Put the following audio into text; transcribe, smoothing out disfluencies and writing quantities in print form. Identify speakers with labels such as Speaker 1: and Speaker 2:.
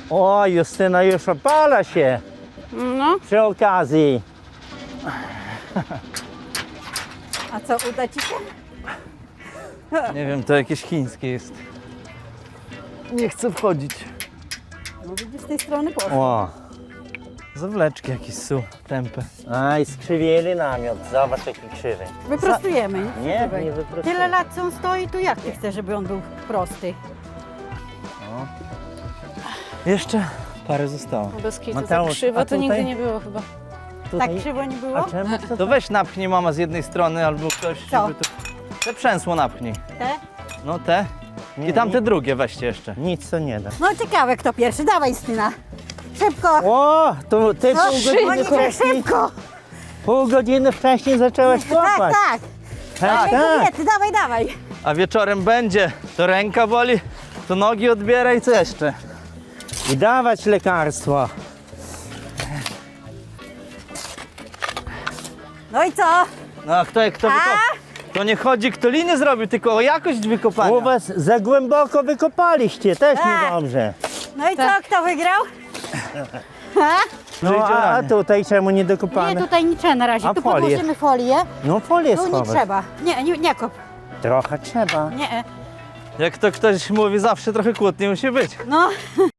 Speaker 1: O, Justyna już opala się
Speaker 2: No.
Speaker 1: przy okazji.
Speaker 2: A co, uda ci się?
Speaker 3: Nie wiem, to jakieś chińskie jest. Nie chcę wchodzić.
Speaker 2: No widzisz, z tej strony poszło.
Speaker 1: O,
Speaker 3: Zawleczki jakieś są, tępe.
Speaker 1: aj, skrzywili namiot. Zobacz jaki krzywy.
Speaker 2: Wyprostujemy.
Speaker 1: Nie,
Speaker 2: Słuchaj,
Speaker 1: nie wyprostuję.
Speaker 2: Tyle lat co on stoi, to jak ty chcesz, żeby on był prosty?
Speaker 3: Jeszcze parę zostało.
Speaker 4: Bez kitu,
Speaker 1: Mateusz,
Speaker 4: tak krzywo
Speaker 1: a
Speaker 4: to nigdy
Speaker 1: tutaj?
Speaker 4: nie było chyba.
Speaker 1: Tutaj...
Speaker 2: Tak krzywo nie było?
Speaker 1: A czemu to
Speaker 3: To weź napchnij mama z jednej strony albo ktoś,
Speaker 2: Co?
Speaker 3: żeby tu... Te przęsło napchnij.
Speaker 2: Te?
Speaker 3: No te.
Speaker 1: Nie,
Speaker 3: I tamte
Speaker 1: nie.
Speaker 3: drugie weźcie jeszcze.
Speaker 1: Nic to nie da.
Speaker 2: No ciekawe kto pierwszy, dawaj Styna. Szybko.
Speaker 1: O, to ty
Speaker 2: No,
Speaker 1: pół godziny
Speaker 2: Monika,
Speaker 1: wcześniej,
Speaker 2: szybko.
Speaker 1: pół godziny wcześniej zaczęłaś
Speaker 2: Tak,
Speaker 1: kopać.
Speaker 2: tak.
Speaker 1: Tak,
Speaker 2: Dawaj kobiety, dawaj, dawaj.
Speaker 3: A wieczorem będzie. To ręka boli, to nogi odbiera i co jeszcze?
Speaker 1: I dawać lekarstwo.
Speaker 2: No i co?
Speaker 3: No a kto wykopał? To nie chodzi kto liny zrobił, tylko o jakość wykopania.
Speaker 1: U was za głęboko wykopaliście, też
Speaker 2: Tak.
Speaker 1: niedobrze.
Speaker 2: No i co, kto wygrał? Ha?
Speaker 1: No a
Speaker 3: Dziuranie.
Speaker 1: tutaj czemu nie
Speaker 2: Nie,
Speaker 1: dokopane?
Speaker 2: tutaj nie trzeba na razie.
Speaker 1: A
Speaker 2: Tu
Speaker 1: folię?
Speaker 2: podłożymy folię.
Speaker 1: No folię
Speaker 2: Tu nie
Speaker 1: schować.
Speaker 2: trzeba. Nie kop.
Speaker 1: Trochę trzeba.
Speaker 2: Nie.
Speaker 3: Jak to ktoś mówi, zawsze trochę kłótni musi być.
Speaker 2: No.